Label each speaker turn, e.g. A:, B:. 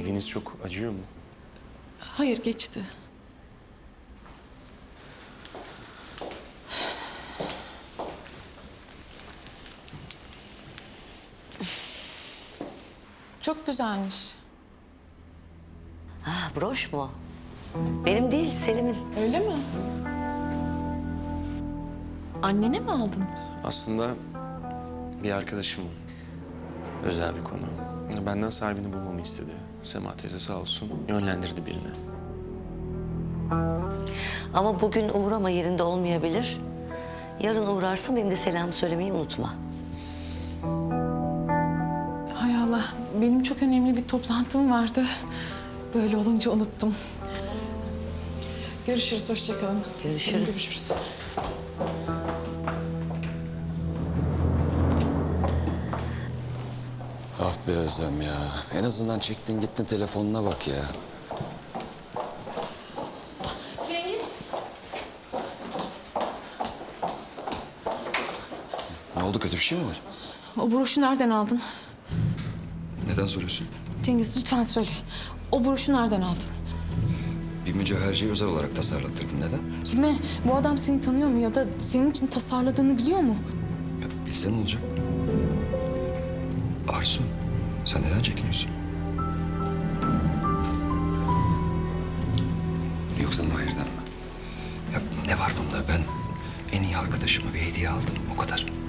A: Eliniz çok acıyor mu?
B: Hayır, geçti. Çok güzelmiş.
C: Ah, broş mu? Benim değil, Selim'in.
B: Öyle mi? Annene mi aldın?
A: Aslında bir arkadaşımın özel bir konu. Benden sahibini bulmamı istedi. Sema teyze sağ olsun yönlendirdi birine.
C: Ama bugün uğrama, yerinde olmayabilir. Yarın uğrarsın, benim de selam söylemeyi unutma.
B: Hay Allah, benim çok önemli bir toplantım vardı. Böyle olunca unuttum. Görüşürüz, hoşça kalın.
C: Görüşürüz.
B: Görüşürüz.
D: Ah be Özlem ya. En azından çektin gittin telefonuna bak ya.
B: Cengiz.
D: Ne oldu, kötü bir şey mi var?
B: O broşu nereden aldın?
D: Neden soruyorsun?
B: Cengiz lütfen söyle. O broşu nereden aldın?
D: Bir mücevherciyi özel olarak tasarlattırdım. Neden?
B: Kime? Bu adam seni tanıyor mu ya da senin için tasarladığını biliyor mu?
D: Ya bilsen ne olacak? Arzu, sen neden çekiniyorsun? Yoksa Mahir'den mi? Ya ne var bunda? Ben en iyi arkadaşıma bir hediye aldım, o kadar.